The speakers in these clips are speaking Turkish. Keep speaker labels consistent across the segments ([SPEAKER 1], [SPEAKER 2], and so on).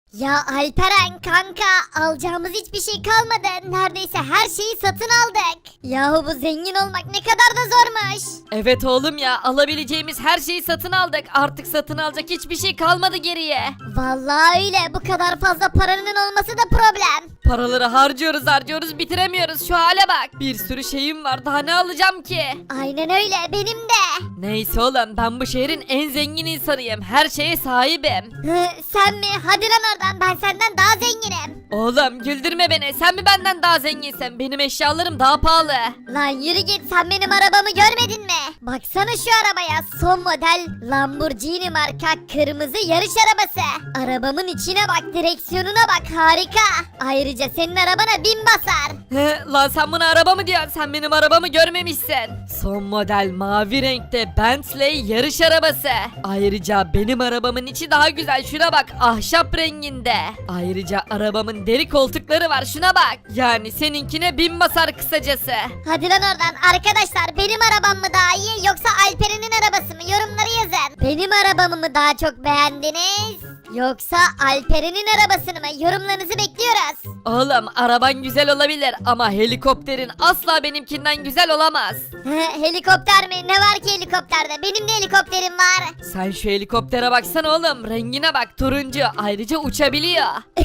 [SPEAKER 1] Ya Alperen kanka alacağımız hiçbir şey kalmadı. Neredeyse her şeyi satın aldık. Yahu bu zengin olmak ne kadar da zormuş.
[SPEAKER 2] Evet oğlum ya, alabileceğimiz her şeyi satın aldık. Artık satın alacak hiçbir şey kalmadı geriye.
[SPEAKER 1] Vallahi öyle, bu kadar fazla paranın olması da problem.
[SPEAKER 2] Paraları harcıyoruz bitiremiyoruz, şu hale bak. Bir sürü şeyim var, daha ne alacağım ki?
[SPEAKER 1] Aynen öyle, benim de.
[SPEAKER 2] Neyse oğlum, ben bu şehrin en zengin insanıyım. Her şeye sahibim.
[SPEAKER 1] Sen mi? Hadi lan oradan, ben senden daha zenginim.
[SPEAKER 2] Oğlum güldürme beni, sen mi benden daha zenginsin? Benim eşyalarım daha pahalı.
[SPEAKER 1] Lan yürü git, sen benim arabamı görmedin mi? Baksana şu arabaya, son model Lamborghini marka kırmızı yarış arabası. Arabamın içine bak, direksiyonuna bak, harika. Ayrıca senin arabana 1000 basar.
[SPEAKER 2] Lan sen buna araba mı diyorsun? Sen benim arabamı görmemişsin. Son model mavi renkte Bentley yarış arabası. Ayrıca benim arabamın içi daha güzel, şuna bak, ahşap renginde. Ayrıca arabamın deri koltukları var, şuna bak. Yani seninkine 1000 basar kısacası.
[SPEAKER 1] Hadi lan oradan arkadaşlar, benim arabam mı daha iyi yoksa Alperen'in arabası mı? Yorumları yazın. Benim arabamı mı daha çok beğendiniz? Yoksa Alperen'in arabasını mı? Yorumlarınızı bekliyoruz.
[SPEAKER 2] Oğlum araban güzel olabilir ama helikopterin asla benimkinden güzel olamaz.
[SPEAKER 1] Helikopter mi? Ne var ki helikopterde? Benim de helikopterim var.
[SPEAKER 2] Sen şu helikoptere baksana oğlum, rengine bak, turuncu, ayrıca uçabiliyor.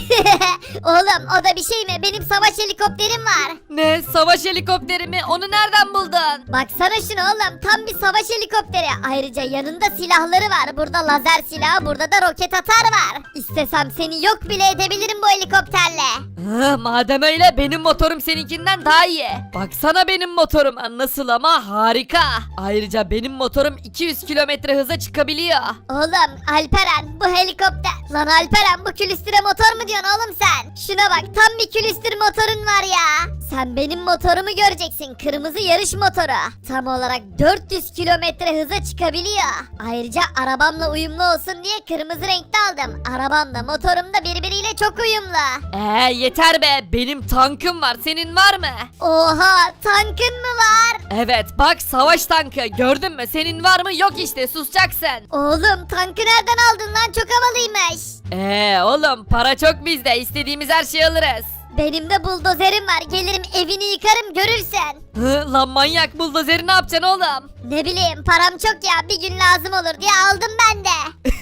[SPEAKER 1] Oğlum o da bir şey mi? Benim savaş helikopterim var.
[SPEAKER 2] Ne, savaş helikopteri mi? Onu nereden buldun?
[SPEAKER 1] Baksana şuna oğlum, tam bir savaş helikopteri. Ayrıca yanında silahları var. Burada lazer silahı, burada da roket atar var. İstesem seni yok bile edebilirim bu helikopterle.
[SPEAKER 2] Madem öyle, benim motorum seninkinden daha iyi. Baksana benim motorum nasıl ama, harika. Ayrıca benim motorum 200 kilometre hıza çıkabiliyor.
[SPEAKER 1] Oğlum Alperen, bu helikopter. Lan Alperen, bu külüstüre motor mu diyorsun oğlum sen? Şuna bak, tam bir külüstür motorun var ya. Sen benim motorumu göreceksin, kırmızı yarış motoru. Tam olarak 400 kilometre hıza çıkabiliyor. Ayrıca arabamla uyumlu olsun diye kırmızı renkte aldım. Arabam da motorum da birbiriyle çok uyumlu.
[SPEAKER 2] Yeter be, benim tankım var, senin var mı?
[SPEAKER 1] Oha, tankın mı var?
[SPEAKER 2] Evet bak, savaş tankı, gördün mü? Senin var mı? Yok işte, susacaksın.
[SPEAKER 1] Oğlum tankı nereden aldın lan, çok havalıymış.
[SPEAKER 2] Oğlum para çok bizde, istediğimiz her şeyi alırız.
[SPEAKER 1] Benim de buldozerim var, gelirim evini yıkarım görürsen.
[SPEAKER 2] Lan manyak, buldozeri ne yapacaksın oğlum?
[SPEAKER 1] Ne bileyim, param çok ya, bir gün lazım olur diye aldım ben de.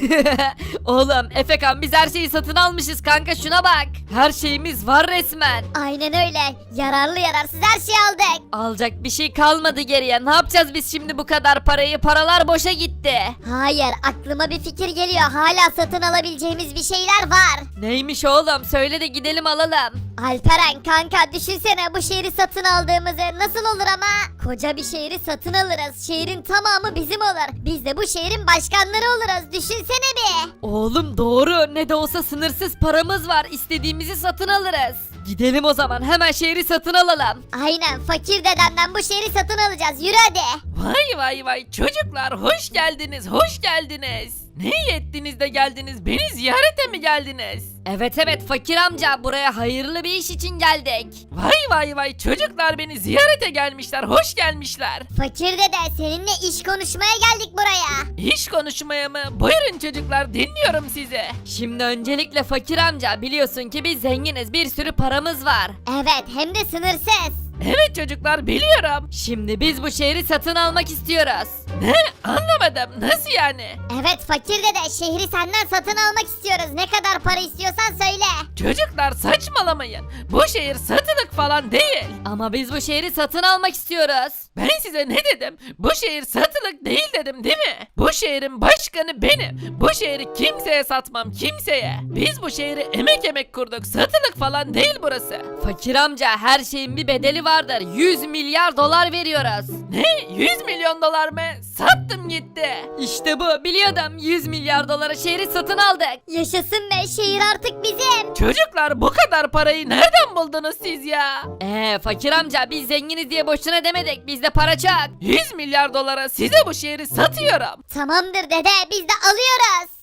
[SPEAKER 2] Oğlum Efekan, biz her şeyi satın almışız kanka, şuna bak. Her şeyimiz var resmen.
[SPEAKER 1] Aynen öyle, yararlı yararsız her şeyi aldık.
[SPEAKER 2] Alacak bir şey kalmadı geriye. Ne yapacağız biz şimdi bu kadar parayı? Paralar boşa gitti.
[SPEAKER 1] Hayır, aklıma bir fikir geliyor, hala satın alabileceğimiz bir şeyler var.
[SPEAKER 2] Neymiş oğlum? Söyle de gidelim alalım.
[SPEAKER 1] Alperen kanka, düşünsene bu şehri satın aldığımızı. Nasıl olur ama? Koca bir şehri satın alırız, şehrin tamamı bizim olur. Biz de bu şehrin başkanları oluruz, düşünsene bir.
[SPEAKER 2] Oğlum doğru. Ne de olsa sınırsız paramız var. İstediğimizi satın alırız. Gidelim o zaman, hemen şehri satın alalım.
[SPEAKER 1] Aynen, fakir dedemden bu şehri satın alacağız, yürü hadi.
[SPEAKER 3] Vay çocuklar, hoş geldiniz, hoş geldiniz. Ne iyi ettiniz de geldiniz, beni ziyarete mi geldiniz?
[SPEAKER 2] Evet fakir amca, buraya hayırlı bir iş için geldik.
[SPEAKER 3] Vay çocuklar, beni ziyarete gelmişler, hoş gelmişler.
[SPEAKER 1] Fakir dede, seninle iş konuşmaya geldik buraya.
[SPEAKER 3] İş konuşmaya mı? Buyurun çocuklar, dinliyorum sizi.
[SPEAKER 2] Şimdi öncelikle fakir amca, biliyorsun ki biz zenginiz, bir sürü paramız var.
[SPEAKER 1] Evet, hem de sınırsız.
[SPEAKER 3] Evet çocuklar, biliyorum.
[SPEAKER 2] Şimdi biz bu şehri satın almak istiyoruz.
[SPEAKER 3] Ne? Anlamadım, nasıl yani?
[SPEAKER 1] Evet fakir dede, şehri senden satın almak istiyoruz. Ne kadar para istiyorsan söyle.
[SPEAKER 3] Çocuklar saçmalamayın. Bu şehir satılık falan değil.
[SPEAKER 2] Ama biz bu şehri satın almak istiyoruz.
[SPEAKER 3] Ben size ne dedim? Bu şehir satılık değil dedim, değil mi? Bu şehrin başkanı benim. Bu şehri kimseye satmam, kimseye. Biz bu şehri emek kurduk. Satılık falan değil burası.
[SPEAKER 2] Fakir amca, her şeyin bir bedeli vardır. 100 milyar dolar veriyoruz.
[SPEAKER 3] Ne? 100 milyon dolar mı? Sattım gitti.
[SPEAKER 2] İşte bu, biliyordum. 100 milyar dolara şehri satın aldık.
[SPEAKER 1] Yaşasın be, şehir artık bizim.
[SPEAKER 3] Çocuklar, bu kadar parayı nereden buldunuz siz ya?
[SPEAKER 2] Fakir amca, biz zenginiz diye boşuna demedik. Bizde para çok.
[SPEAKER 3] 100 milyar dolara size bu şehri satıyorum.
[SPEAKER 1] Tamamdır dede, biz de alıyoruz.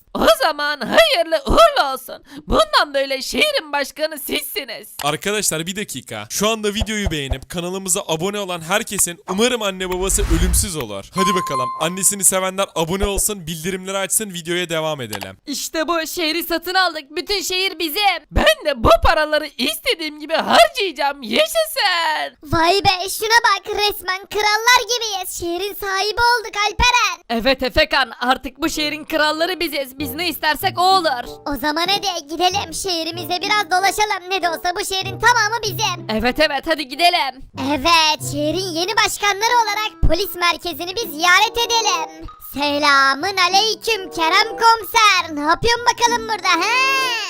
[SPEAKER 3] O zaman hayırlı uğurlu olsun. Bundan böyle şehrin başkanı sizsiniz.
[SPEAKER 4] Arkadaşlar bir dakika. Şu anda videoyu beğenip kanalımıza abone olan herkesin umarım anne babası ölümsüz olur. Hadi bakalım. Annesini sevenler abone olsun, bildirimleri açsın, videoya devam edelim.
[SPEAKER 2] İşte bu şehri satın aldık. Bütün şehir bizim.
[SPEAKER 3] Ben de bu paraları istediğim gibi harcayacağım. Yaşasın.
[SPEAKER 1] Vay be şuna bak resmen krallar gibiyiz. Şehrin sahibi olduk Alperen.
[SPEAKER 2] Evet Efekan, artık bu şehrin kralları biziz. Biz ne istersek o olur.
[SPEAKER 1] O zaman hadi gidelim şehrimizde biraz dolaşalım. Ne de olsa bu şehrin tamamı bizim.
[SPEAKER 2] Evet hadi gidelim.
[SPEAKER 1] Evet şehrin yeni başkanları olarak polis merkezini bir ziyaret edelim. Selamın aleyküm Kerem komiser. Ne yapıyorsun bakalım burada he?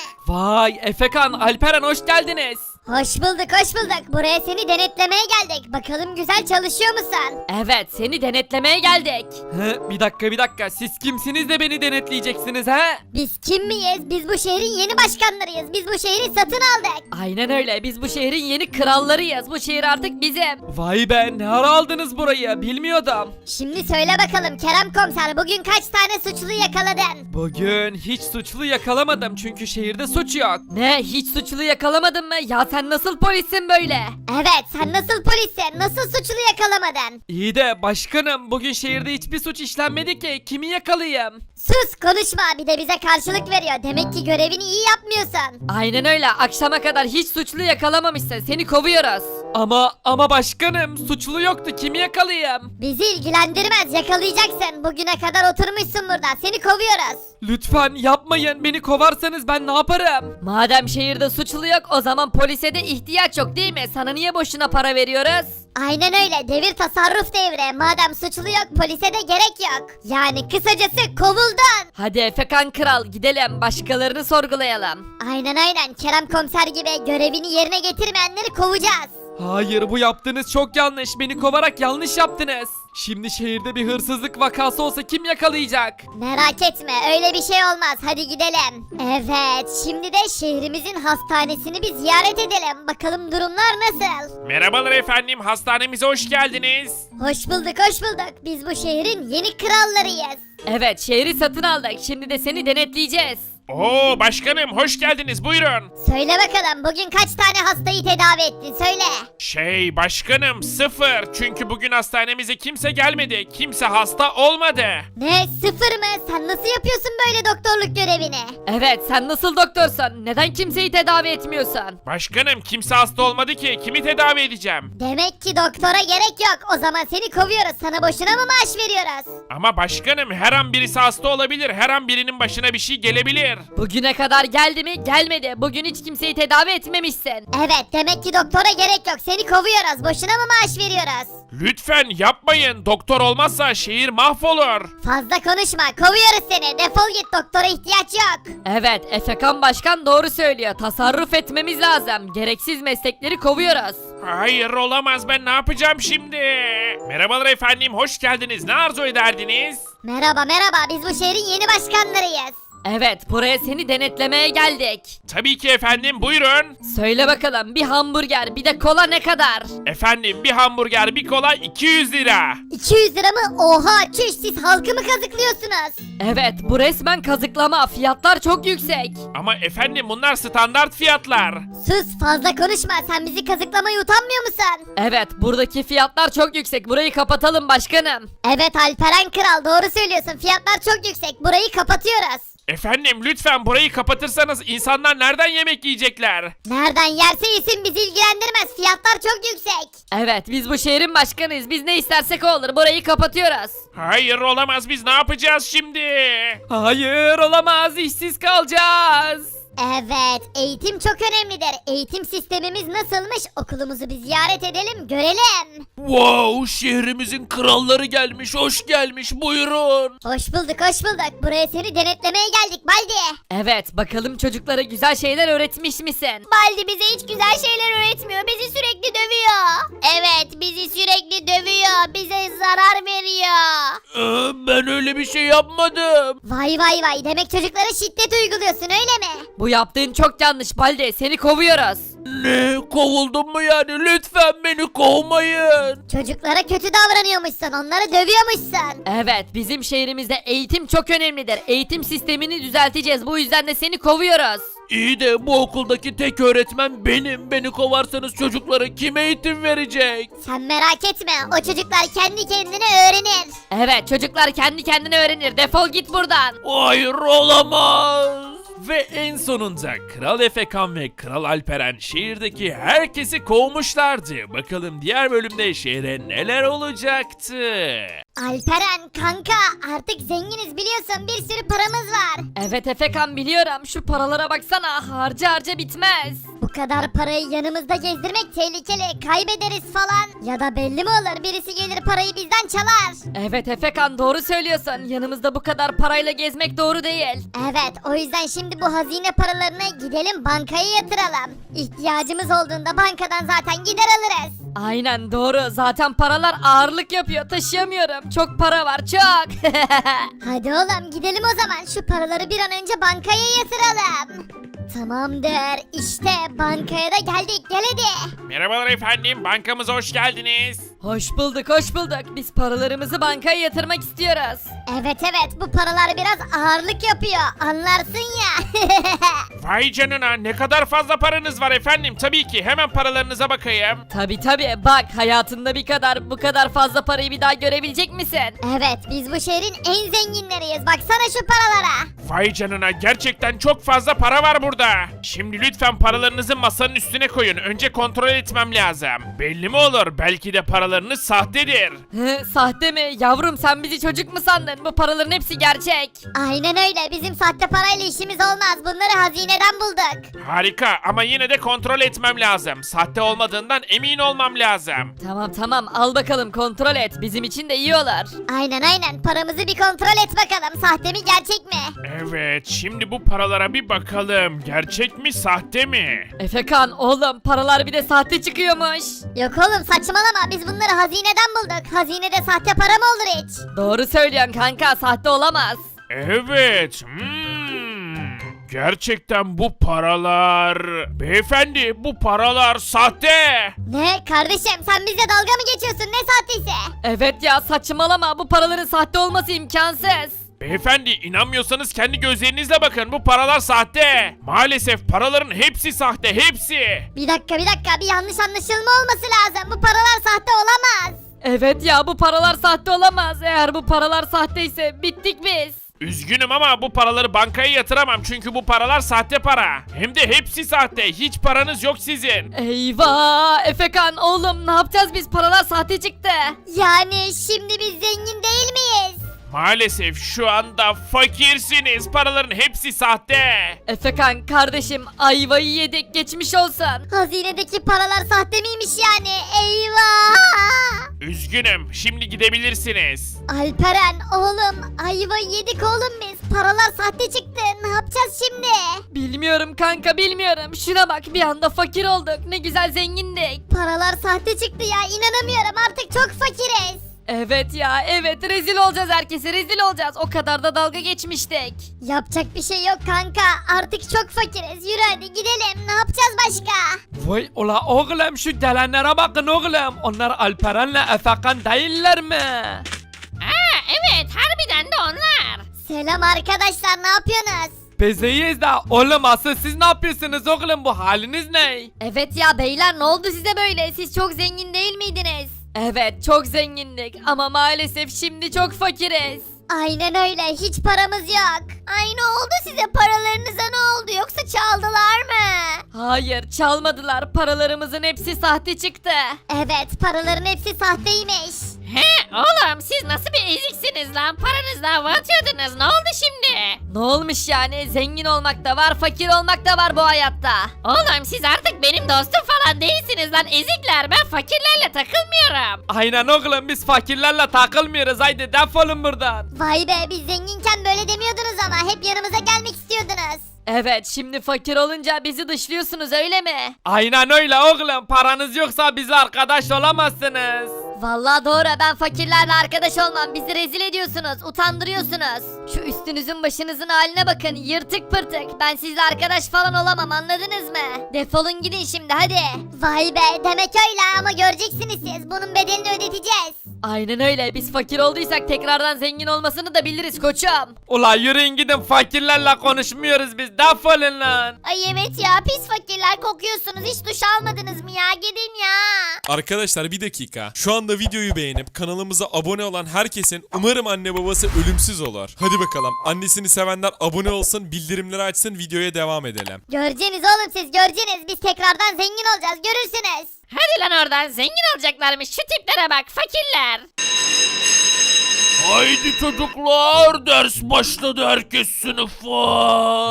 [SPEAKER 2] Vay Efekan, Alperen hoş geldiniz.
[SPEAKER 1] Hoş bulduk hoş bulduk. Buraya seni denetlemeye geldik. Bakalım güzel çalışıyor musun?
[SPEAKER 2] Evet, seni denetlemeye geldik. Bir dakika, siz kimsiniz de beni denetleyeceksiniz he?
[SPEAKER 1] Biz kim miyiz? Biz bu şehrin yeni başkanlarıyız. Biz bu şehri satın aldık.
[SPEAKER 2] Aynen öyle, biz bu şehrin yeni krallarıyız. Bu şehir artık bizim.
[SPEAKER 5] Vay be, ne ara aldınız burayı, bilmiyordum.
[SPEAKER 1] Şimdi söyle bakalım Kerem komiser bugün kaç tane suçlu yakaladın?
[SPEAKER 5] Bugün hiç suçlu yakalamadım çünkü şehirde suç yok.
[SPEAKER 2] Ne, hiç suçlu yakalamadın mı? Ya sen nasıl polissin böyle?
[SPEAKER 1] Evet sen nasıl polissin? Nasıl suçlu yakalamadın?
[SPEAKER 5] İyi de başkanım, bugün şehirde hiçbir suç işlenmedi ki, kimi yakalayayım?
[SPEAKER 1] Sus konuşma bir de bize karşılık veriyor. Demek ki görevini iyi yapmıyorsun.
[SPEAKER 2] Aynen öyle, akşama kadar hiç suçlu yakalamamışsın. Seni kovuyoruz.
[SPEAKER 5] Ama başkanım, suçlu yoktu, kimi yakalayayım?
[SPEAKER 1] Bizi ilgilendirmez yakalayacaksın. Bugüne kadar oturmuşsun burada. Seni kovuyoruz.
[SPEAKER 5] Lütfen yapmayın, beni kovarsanız ben ne yaparım?
[SPEAKER 2] Madem şehirde suçlu yok, o zaman polise de ihtiyaç yok değil mi? Sana niye boşuna para veriyoruz?
[SPEAKER 1] Aynen öyle devir tasarruf devri. Madem suçlu yok polise de gerek yok. Yani kısacası kovuldun.
[SPEAKER 2] Hadi Efekan Kral, gidelim başkalarını sorgulayalım.
[SPEAKER 1] Aynen Kerem komiser gibi görevini yerine getirmeyenleri kovacağız.
[SPEAKER 5] Hayır, bu yaptığınız çok yanlış, beni kovarak yanlış yaptınız. Şimdi şehirde bir hırsızlık vakası olsa kim yakalayacak?
[SPEAKER 1] Merak etme öyle bir şey olmaz hadi gidelim. Evet şimdi de şehrimizin hastanesini bir ziyaret edelim. Bakalım durumlar nasıl?
[SPEAKER 6] Merhabalar efendim, hastanemize hoş geldiniz.
[SPEAKER 1] Hoş bulduk biz bu şehrin yeni krallarıyız.
[SPEAKER 2] Evet, şehri satın aldık. Şimdi de seni denetleyeceğiz.
[SPEAKER 6] Oo başkanım, hoş geldiniz, buyurun.
[SPEAKER 1] Söyle bakalım bugün kaç tane hastayı tedavi ettin söyle.
[SPEAKER 6] Başkanım 0, çünkü bugün hastanemize kimse gelmedi, kimse hasta olmadı.
[SPEAKER 1] Ne 0 mı? Sen nasıl yapıyorsun böyle doktorluk görevini?
[SPEAKER 2] Evet, sen nasıl doktorsun? Neden kimseyi tedavi etmiyorsun?
[SPEAKER 6] Başkanım kimse hasta olmadı ki, kimi tedavi edeceğim?
[SPEAKER 1] Demek ki doktora gerek yok. O zaman seni kovuyoruz. Sana boşuna mı maaş veriyoruz?
[SPEAKER 6] Ama başkanım her an birisi hasta olabilir, her an birinin başına bir şey gelebilir.
[SPEAKER 2] Bugüne kadar geldi mi? Gelmedi. Bugün hiç kimseyi tedavi etmemişsin.
[SPEAKER 1] Evet demek ki doktora gerek yok. Seni kovuyoruz. Boşuna mı maaş veriyoruz?
[SPEAKER 6] Lütfen yapmayın, doktor olmazsa şehir mahvolur.
[SPEAKER 1] Fazla konuşma. Kovuyoruz seni. Defol git. Doktora ihtiyaç yok.
[SPEAKER 2] Evet, Efekan Başkan doğru söylüyor. Tasarruf etmemiz lazım. Gereksiz meslekleri kovuyoruz.
[SPEAKER 6] Hayır olamaz, ben ne yapacağım şimdi? Merhabalar efendim, hoş geldiniz, ne arzu ederdiniz?
[SPEAKER 1] Merhaba. Biz bu şehrin yeni başkanlarıyız.
[SPEAKER 2] Evet, buraya seni denetlemeye geldik.
[SPEAKER 6] Tabii ki efendim, buyurun.
[SPEAKER 2] Söyle bakalım, bir hamburger bir de kola ne kadar?
[SPEAKER 6] Efendim bir hamburger bir kola 200 lira.
[SPEAKER 1] 200 lira mı? Oha çüş siz halkı mı kazıklıyorsunuz?
[SPEAKER 2] Evet, bu resmen kazıklama. Fiyatlar çok yüksek.
[SPEAKER 6] Ama efendim bunlar standart fiyatlar.
[SPEAKER 1] Sus fazla konuşma. Sen bizi kazıklamaya utanmıyor musun?
[SPEAKER 2] Evet, buradaki fiyatlar çok yüksek. Burayı kapatalım başkanım.
[SPEAKER 1] Evet Alperen Kral doğru söylüyorsun. Fiyatlar çok yüksek. Burayı kapatıyoruz.
[SPEAKER 6] Efendim lütfen burayı kapatırsanız insanlar nereden yemek yiyecekler?
[SPEAKER 1] Nereden yerse yesin bizi ilgilendirmez. Fiyatlar çok yüksek.
[SPEAKER 2] Evet, biz bu şehrin başkanıyız. Biz ne istersek o olur. Burayı kapatıyoruz.
[SPEAKER 6] Hayır olamaz, biz ne yapacağız şimdi?
[SPEAKER 5] Hayır, olamaz, işsiz kalacağız.
[SPEAKER 1] Evet, eğitim çok önemlidir. Eğitim sistemimiz nasılmış? Okulumuzu bir ziyaret edelim, görelim.
[SPEAKER 3] Wow, şehrimizin kralları gelmiş, hoş gelmiş, buyurun.
[SPEAKER 1] Hoş bulduk. Buraya seni denetlemeye geldik Baldi.
[SPEAKER 2] Evet, bakalım çocuklara güzel şeyler öğretmiş misin?
[SPEAKER 1] Baldi bize hiç güzel şeyler öğretmiyor. Bizi sürekli dövüyor. Evet, bizi sürekli dövüyor. Bize zarar veriyor.
[SPEAKER 3] Ben öyle bir şey yapmadım.
[SPEAKER 1] Vay. Demek çocuklara şiddet uyguluyorsun öyle mi?
[SPEAKER 2] Bu yaptığın çok yanlış Balde. Seni kovuyoruz.
[SPEAKER 3] Ne? Kovuldum mu yani? Lütfen beni kovmayın.
[SPEAKER 1] Çocuklara kötü davranıyormuşsun, onları dövüyormuşsun.
[SPEAKER 2] Evet, bizim şehrimizde eğitim çok önemlidir. Eğitim sistemini düzelteceğiz. Bu yüzden de seni kovuyoruz.
[SPEAKER 3] İyi de bu okuldaki tek öğretmen benim. Beni kovarsanız çocuklara kim eğitim verecek?
[SPEAKER 1] Sen merak etme, o çocuklar kendi kendine öğrenir.
[SPEAKER 2] Evet, çocuklar kendi kendine öğrenir. Defol git buradan.
[SPEAKER 3] Hayır, olamaz. Ve en sonunda Kral Efekan ve Kral Alperen şehirdeki herkesi kovmuşlardı. Bakalım diğer bölümde şehre neler olacaktı?
[SPEAKER 1] Alperen kanka, artık zenginiz biliyorsun, bir sürü paramız var.
[SPEAKER 2] Evet Efekan, biliyorum. Şu paralara baksana, harca harca bitmez.
[SPEAKER 1] Bu kadar parayı yanımızda gezdirmek tehlikeli, kaybederiz falan. Ya da belli mi olur, birisi gelir parayı bizden çalar.
[SPEAKER 2] Evet Efekan, doğru söylüyorsun. Yanımızda bu kadar parayla gezmek doğru değil.
[SPEAKER 1] Evet, o yüzden şimdi bu hazine paralarını gidelim bankaya yatıralım. İhtiyacımız olduğunda bankadan zaten gider alırız.
[SPEAKER 2] Aynen doğru. Zaten paralar ağırlık yapıyor. Taşıyamıyorum. Çok para var, çok.
[SPEAKER 1] Hadi oğlum gidelim o zaman, şu paraları bir an önce bankaya yatıralım. Tamamdır, işte bankaya da geldik, gel hadi.
[SPEAKER 6] Merhabalar efendim, bankamıza hoş geldiniz.
[SPEAKER 2] Hoş bulduk, hoş bulduk. Biz paralarımızı bankaya yatırmak istiyoruz.
[SPEAKER 1] Evet bu paralar biraz ağırlık yapıyor, anlarsın ya.
[SPEAKER 6] Vay canına, ne kadar fazla paranız var efendim. Tabii ki, hemen paralarınıza bakayım.
[SPEAKER 2] Tabi bak, hayatında bu kadar fazla parayı bir daha görebilecek misin?
[SPEAKER 1] Evet, biz bu şehrin en zenginleriyiz, baksana şu paralara.
[SPEAKER 6] Vay canına, gerçekten çok fazla para var burada. Şimdi lütfen paralarınızı masanın üstüne koyun. Önce kontrol etmem lazım. Belli mi olur? Belki de paralarınız sahtedir.
[SPEAKER 2] Hı, sahte mi? Yavrum, sen bizi çocuk mu sandın? Bu paraların hepsi gerçek.
[SPEAKER 1] Aynen öyle, bizim sahte parayla işimiz olmaz, bunları hazineden bulduk.
[SPEAKER 6] Harika, ama yine de kontrol etmem lazım. Sahte olmadığından emin olmam lazım.
[SPEAKER 2] Tamam, al bakalım, kontrol et. Bizim için de iyi olur.
[SPEAKER 1] Aynen, paramızı bir kontrol et bakalım, sahte mi gerçek mi?
[SPEAKER 6] Evet, şimdi bu paralara bir bakalım. Gerçek mi, sahte mi?
[SPEAKER 2] Efekan oğlum, paralar bir de sahte çıkıyormuş.
[SPEAKER 1] Yok oğlum, saçmalama, biz bunları hazineden bulduk. Hazinede sahte para mı olur hiç?
[SPEAKER 2] Doğru söylüyorsun kanka, sahte olamaz.
[SPEAKER 6] Evet. Gerçekten bu paralar... Beyefendi, bu paralar sahte.
[SPEAKER 1] Ne kardeşim, sen bizle dalga mı geçiyorsun, ne sahtesi?
[SPEAKER 2] Evet ya, saçmalama, bu paraların sahte olması imkansız.
[SPEAKER 6] Beyefendi, inanmıyorsanız kendi gözlerinizle bakın, bu paralar sahte. Maalesef paraların hepsi sahte, hepsi.
[SPEAKER 1] Bir dakika, bir yanlış anlaşılma olması lazım, bu paralar sahte olamaz.
[SPEAKER 2] Evet ya, bu paralar sahte olamaz. Eğer bu paralar sahteyse bittik biz.
[SPEAKER 6] Üzgünüm ama bu paraları bankaya yatıramam çünkü bu paralar sahte para. Hem de hepsi sahte, hiç paranız yok sizin.
[SPEAKER 2] Eyvah Efekan oğlum, ne yapacağız biz, paralar sahte çıktı.
[SPEAKER 1] Yani şimdi biz zengin değil miyiz?
[SPEAKER 6] Maalesef şu anda fakirsiniz, paraların hepsi sahte.
[SPEAKER 2] Efekan kardeşim, ayvayı yedik, geçmiş olsun.
[SPEAKER 1] Hazinedeki paralar sahte miymiş yani? Eyvah!
[SPEAKER 6] Üzgünüm, şimdi gidebilirsiniz.
[SPEAKER 1] Alperen oğlum, ayva yedik oğlum biz. Paralar sahte çıktı. Ne yapacağız şimdi?
[SPEAKER 2] Bilmiyorum kanka, bilmiyorum. Şuna bak, bir anda fakir olduk. Ne güzel zengindik.
[SPEAKER 1] Paralar sahte çıktı ya. İnanamıyorum. Artık çok fakiriz.
[SPEAKER 2] Evet ya, evet, rezil olacağız herkese, rezil olacağız. O kadar da dalga geçmiştik.
[SPEAKER 1] Yapacak bir şey yok kanka. Artık çok fakiriz. Yürü hadi gidelim. Ne yapacağız başka?
[SPEAKER 5] Vay ula oğlum, şu gelenlere bakın oğlum. Onlar Alperen'le Efekan değiller mi?
[SPEAKER 7] Evet, harbiden de onlar.
[SPEAKER 1] Selam arkadaşlar. Ne yapıyorsunuz?
[SPEAKER 5] Biz iyiyiz de oğlum, asıl siz ne yapıyorsunuz oğlum, bu haliniz ne?
[SPEAKER 2] Evet ya beyler, ne oldu size böyle? Siz çok zengin değil miydiniz? Evet, çok zengindik ama maalesef şimdi çok fakiriz.
[SPEAKER 1] Aynen öyle. Hiç paramız yok. Ay ne oldu size? Paralarınıza ne oldu? Yoksa çaldılar mı?
[SPEAKER 2] Hayır, çalmadılar. Paralarımızın hepsi sahte çıktı.
[SPEAKER 1] Evet, paraların hepsi sahteymiş.
[SPEAKER 7] He oğlum, siz nasıl bir eziksiniz lan? Paranızla hava atıyordunuz. Ne oldu şimdi?
[SPEAKER 2] Ne olmuş yani? Zengin olmak da var, fakir olmak da var bu hayatta.
[SPEAKER 7] Oğlum, siz artık benim dostum falan değilsiniz lan ezikler. Ben fakirlerle takılmıyorum.
[SPEAKER 5] Aynen oğlum, biz fakirlerle takılmıyoruz, haydi defolun buradan.
[SPEAKER 1] Vay be, biz zenginken böyle demiyordunuz ama hep yanımıza gelmek istiyordunuz.
[SPEAKER 2] Evet, şimdi fakir olunca bizi dışlıyorsunuz öyle mi?
[SPEAKER 5] Aynen öyle oğlum, paranız yoksa bizle arkadaş olamazsınız.
[SPEAKER 1] Vallahi doğru, ben fakirlerle arkadaş olmam, bizi rezil ediyorsunuz, utandırıyorsunuz. Şu üstünüzün başınızın haline bakın, yırtık pırtık. Ben sizle arkadaş falan olamam, anladınız mı? Defolun gidin şimdi, hadi. Vay be, demek öyle ama göreceksiniz siz, bunun bedelini ödeteceğiz.
[SPEAKER 2] Aynen öyle, biz fakir olduysak tekrardan zengin olmasını da biliriz koçum.
[SPEAKER 5] Ula yürüyün gidin, fakirlerle konuşmuyoruz biz, defolun lan.
[SPEAKER 1] Ay evet ya, pis fakirler kokuyorsunuz, hiç duş almadınız mı ya, gidin ya.
[SPEAKER 4] Arkadaşlar bir dakika. Şu anda videoyu beğenip kanalımıza abone olan herkesin umarım anne babası ölümsüz olur. Hadi bakalım. Annesini sevenler abone olsun, bildirimleri açsın, videoya devam edelim.
[SPEAKER 1] Göreceğiniz oğlum, siz göreceğiniz, biz tekrardan zengin olacağız, görürsünüz.
[SPEAKER 7] Hadi lan oradan, zengin olacaklarmış, şu tiplere bak fakirler.
[SPEAKER 6] Haydi çocuklar, ders başladı, herkes sınıfa.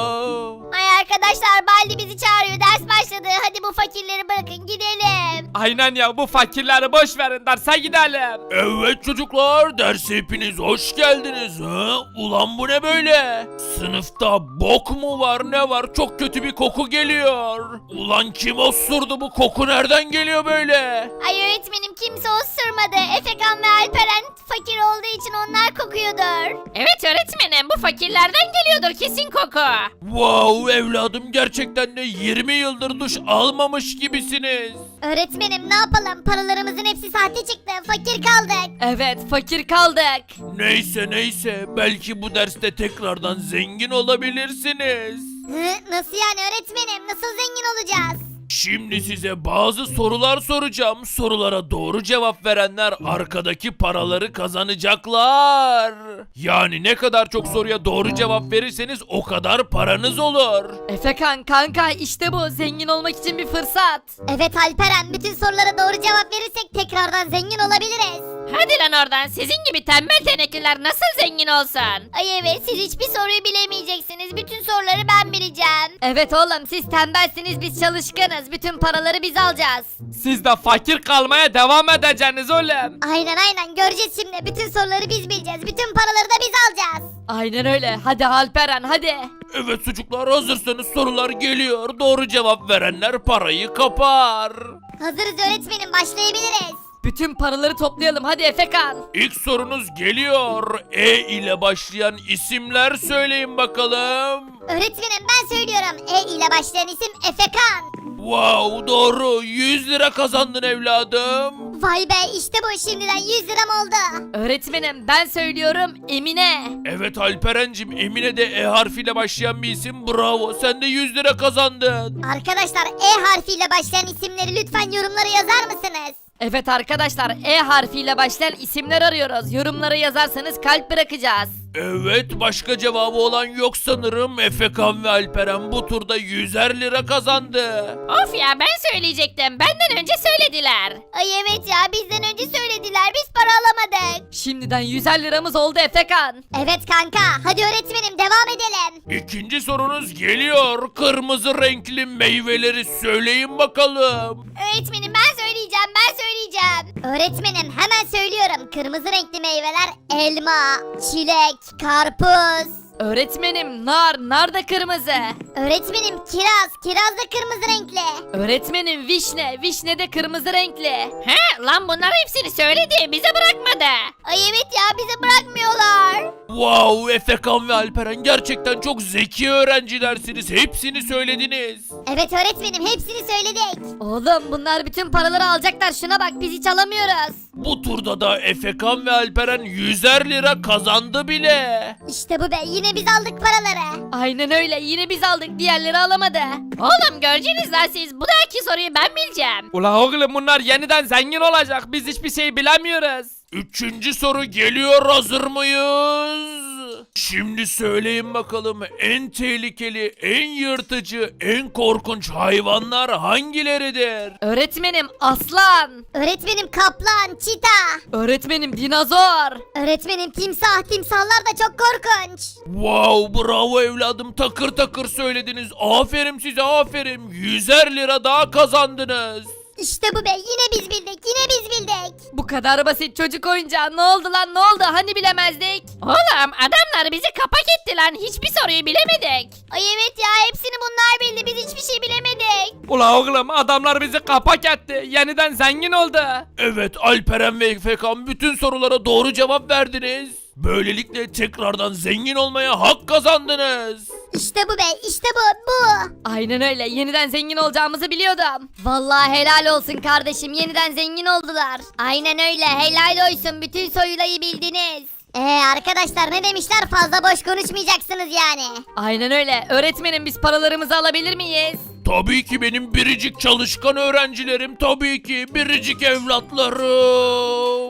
[SPEAKER 1] Ay arkadaşlar, Baldi bizi çağırıyor, ders başladı, hadi bu fakirleri bırakın gidelim.
[SPEAKER 5] Aynen ya, bu fakirleri boş verin, derse gidelim.
[SPEAKER 6] Evet çocuklar, derse hepiniz hoş geldiniz. Ha? Ulan bu ne böyle? Sınıfta bok mu var, ne var? Çok kötü bir koku geliyor. Ulan kim osurdu, bu koku nereden geliyor böyle?
[SPEAKER 1] Ay öğretmenim, kimse osurmadı, Efekan ve Alperen fakir olduğu için onlar kokuyordur.
[SPEAKER 7] Evet öğretmenim, bu fakirlerden geliyordur kesin koku.
[SPEAKER 6] Wow evladım, gerçekten de 20 yıldır duş almamış gibisiniz.
[SPEAKER 1] Öğretmenim ne yapalım, paralarımızın hepsi sahte çıktı, fakir kaldık.
[SPEAKER 2] Evet, fakir kaldık.
[SPEAKER 6] Neyse belki bu derste tekrardan zengin olabilirsiniz.
[SPEAKER 1] Nasıl yani öğretmenim, nasıl zengin olacağız?
[SPEAKER 6] Şimdi size bazı sorular soracağım. Sorulara doğru cevap verenler arkadaki paraları kazanacaklar. Yani ne kadar çok soruya doğru cevap verirseniz o kadar paranız olur.
[SPEAKER 2] Efekan kanka, işte bu zengin olmak için bir fırsat.
[SPEAKER 1] Evet Alperen, bütün sorulara doğru cevap verirsek tekrardan zengin olabiliriz.
[SPEAKER 7] Hadi lan oradan, sizin gibi tembel tenekliler nasıl zengin olsun?
[SPEAKER 1] Ay evet, siz hiçbir soruyu bilemeyeceksiniz, bütün soruları ben bileceğim.
[SPEAKER 2] Evet oğlum, siz tembelsiniz, biz çalışkanız. Bütün paraları biz alacağız.
[SPEAKER 5] Siz de fakir kalmaya devam edeceksiniz oğlum.
[SPEAKER 1] Aynen göreceğiz şimdi, bütün soruları biz bileceğiz, bütün paraları da biz alacağız.
[SPEAKER 2] Aynen öyle. Hadi Alperen hadi.
[SPEAKER 6] Evet çocuklar, hazırsanız sorular geliyor. Doğru cevap verenler parayı kapar.
[SPEAKER 1] Hazırız öğretmenim, başlayabiliriz.
[SPEAKER 2] Bütün paraları toplayalım. Hadi Efekan.
[SPEAKER 6] İlk sorunuz geliyor. E ile başlayan isimler söyleyin bakalım.
[SPEAKER 1] Öğretmenim ben söylüyorum, E ile başlayan isim Efekan.
[SPEAKER 6] Wow doğru, 100 lira kazandın evladım.
[SPEAKER 1] Vay be, işte bu, şimdiden 100 liram oldu.
[SPEAKER 2] Öğretmenim ben söylüyorum, Emine.
[SPEAKER 6] Evet Alperen'cim, Emine de E harfiyle başlayan bir isim, bravo, sen de 100 lira kazandın.
[SPEAKER 1] Arkadaşlar, E harfiyle başlayan isimleri lütfen yorumlara yazar mısınız?
[SPEAKER 2] Evet arkadaşlar, E harfiyle başlayan isimler arıyoruz. Yorumlara yazarsanız kalp bırakacağız.
[SPEAKER 6] Evet, başka cevabı olan yok sanırım. Efekan ve Alperen bu turda 100'er lira kazandı.
[SPEAKER 7] Of ya, ben söyleyecektim, benden önce söylediler.
[SPEAKER 1] Ay evet ya, bizden önce söylediler, biz para alamadık.
[SPEAKER 2] Şimdiden 100'er liramız oldu Efekan.
[SPEAKER 1] Evet kanka, hadi öğretmenim devam edelim.
[SPEAKER 6] İkinci sorunuz geliyor. Kırmızı renkli meyveleri söyleyin bakalım.
[SPEAKER 1] Öğretmenim ben söyleyeceğim. Öğretmenim hemen söylüyorum, kırmızı renkli meyveler elma, çilek, karpuz.
[SPEAKER 2] Öğretmenim nar da kırmızı.
[SPEAKER 1] Öğretmenim kiraz da kırmızı renkli.
[SPEAKER 2] Öğretmenim vişne de kırmızı renkli.
[SPEAKER 7] He lan, bunlar hepsini söyledi, bize bırakmadı.
[SPEAKER 1] Ay evet ya, bizi bırakmıyorlar.
[SPEAKER 6] Wow, Efekan ve Alperen gerçekten çok zeki öğrencilersiniz. Hepsini söylediniz.
[SPEAKER 1] Evet öğretmenim, hepsini söyledik.
[SPEAKER 2] Oğlum bunlar bütün paraları alacaklar, şuna bak, biz hiç alamıyoruz.
[SPEAKER 6] Bu turda da Efekan ve Alperen 100'er lira kazandı bile.
[SPEAKER 1] İşte bu be, yine biz aldık paraları.
[SPEAKER 2] Aynen öyle, yine biz aldık, diğerleri alamadı.
[SPEAKER 7] Oğlum göreceğiniz lan siz, bu dahaki soruyu ben bileceğim.
[SPEAKER 5] Ula oğlum, bunlar yeniden zengin olacak, biz hiçbir şey bilemiyoruz.
[SPEAKER 6] Üçüncü soru geliyor, hazır mıyız? Şimdi söyleyin bakalım, en tehlikeli, en yırtıcı, en korkunç hayvanlar hangileridir?
[SPEAKER 2] Öğretmenim aslan.
[SPEAKER 1] Öğretmenim kaplan, çita.
[SPEAKER 2] Öğretmenim dinozor.
[SPEAKER 1] Öğretmenim timsahlar da çok korkunç.
[SPEAKER 6] Wow, bravo evladım, takır takır söylediniz. Aferin size, aferin. 100'er lira daha kazandınız.
[SPEAKER 1] İşte bu be, yine biz bildik, yine biz bildik.
[SPEAKER 2] Bu kadar basit çocuk oyuncağı. Ne oldu lan, ne oldu? Hani bilemezdik?
[SPEAKER 7] Oğlum adamlar bizi kapak etti lan. Hiçbir soruyu bilemedik.
[SPEAKER 1] Ay evet ya, hepsini bunlar bildi, biz hiçbir şey bilemedik.
[SPEAKER 5] Ula oğlum adamlar bizi kapak etti. Yeniden zengin oldu.
[SPEAKER 6] Evet, Alperen ve Efekan bütün sorulara doğru cevap verdiniz. Böylelikle tekrardan zengin olmaya hak kazandınız.
[SPEAKER 1] İşte bu be, işte bu.
[SPEAKER 2] Aynen öyle. Yeniden zengin olacağımızı biliyordum. Vallahi helal olsun kardeşim. Yeniden zengin oldular.
[SPEAKER 1] Aynen öyle, helal olsun, bütün soruları bildiniz. Arkadaşlar ne demişler, fazla boş konuşmayacaksınız yani.
[SPEAKER 2] Aynen öyle. Öğretmenim biz paralarımızı alabilir miyiz?
[SPEAKER 6] Tabii ki benim biricik çalışkan öğrencilerim, tabii ki biricik evlatlarım.